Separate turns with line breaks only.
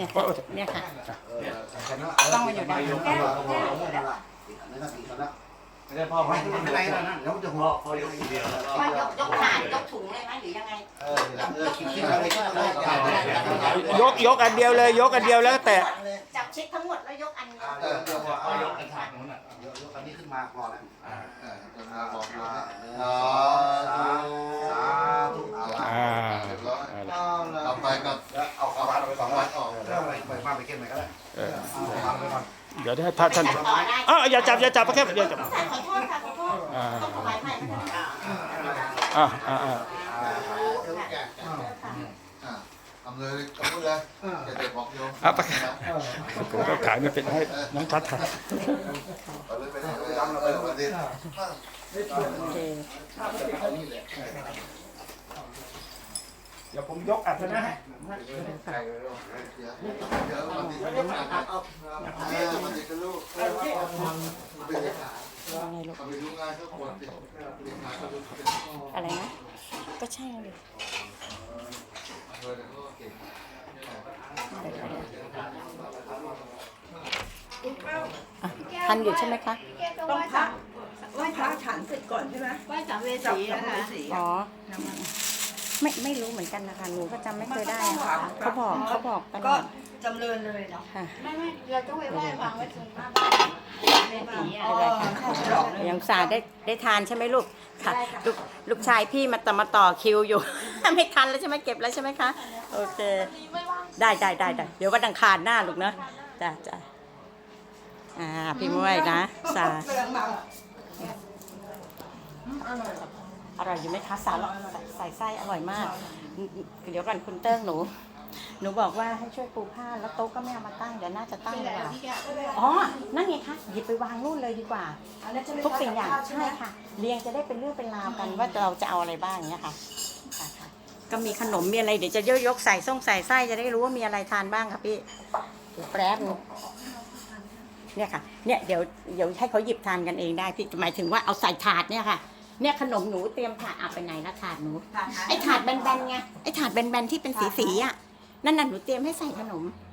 เนี่ยค่ะเนี่ยค่ะต้องมาอยู่ด้านหลัง
ไม่ได้พ่อไม่ได้แล้วนะแล้วจะหัวพอยกเดียวแล้ว
ว่ายกถาดยกถุงเลยไหมหรือยังไง
คิดอะไรก็ได้
ยกอันเดียวเลยยกอันเดียวแล้วแต่
จับชิดทั้งหมดแล้วยกอันเดียว
เดี๋ยวเอายกกระถางนู้นอ่ะยกอันนี้ขึ้นมาพอแล้วบอกสาธุ
ต่อไปก็
เอาเอาไป2 วันออกแล้วไปมาไปเก็บไหนก็ได้เอาไปก่อน
เดี๋ยวถ้าท่านอย่าจับแค่อย่าจับ
ขอโทษค่ะขอโทษต้องถวายใหม่นะคะ
ทำเลยกำมือเลยจะเด็กบอกโยม
ผมก็ขายไม่เป็นให้น้องทัศน์ถ่าย
เอาเลยไปเลยดำเราไปวันนี้
โอเค
เดี๋ยวผมยกอัดนะฮะ
เดี๋ยววันนี้วันนี้ก็ลูกไปเลยค่ะ
อะไรลูก
เอาไปดูงานก็ควรติดงานก็ดูเป็น
อะไรนะก็ใช่เลย
เก่ง
ทันอยู่ใช่ไหมคะ
ต้องพักไหว้พระฉันเสร็จก่อนใช่ไหม
ไหว้สัมภเว
จับ
สี
สัม
นะ
ภเว
คะ
สี
อ๋อไม่รู้เหมือนกันนะคะหนูก็จำไม่เคยได้นะคะเขาบอกตล
ก็
อด
จำเริญเลยเนาะ
ค่ะ
ไม่เราต้องไปไหว้วางไว้ตรงหน้าบ้านสัมภเวสีอ่ะ
ยังสาได้ทานใช่ไหมลูกค่ะลูกชายพี่มาต่อคิวอยู่ ไม่ทันแล้วใช่ไหมเก็บแล้วใช่ไหมคะโอเคได้เดี๋ยววันอังคารหน้าลูกเนอะจ้าพี่ม้วยนะสาอร่อยอยู่ไหมคะใส่ไส้อร่อยมากเดี๋ยวก่อนคุณเติ้งหนูบอกว่าให้ช่วยปูผ้าแล้วโต๊ะก็ไม่เอามาตั้งเดี๋ยวน่าจะตั้งดีกว่าอ๋อนั่นไงคะหยิบไปวางนู่นเลยดีกว่าทุกสิ่งอย่างใช่ค่ะเรียงจะได้เป็นเรื่องเป็นราวกันว่าเราจะเอาอะไรบ้างเนี้ยค่ะก็มีขนมมีอะไรเดี๋ยวจะยกใส่ไส้จะได้รู้ว่ามีอะไรทานบ้างค่ะพี่แป๊บนึงเนี่ยค่ะเนี่ยเดี๋ยวให้เขาหยิบทานกันเองได้พี่หมายถึงว่าเอาใส่ถาดเนี่ยค่ะเนี่ยขนมหนูเตรียมถาดไปไหนละถาดหนูไอ้ถาดแบนๆไงไอ้ถาดแบนๆที่เป็นสีอ่ะนั่นน่ะหนูเตรียมให้ใส่ขนม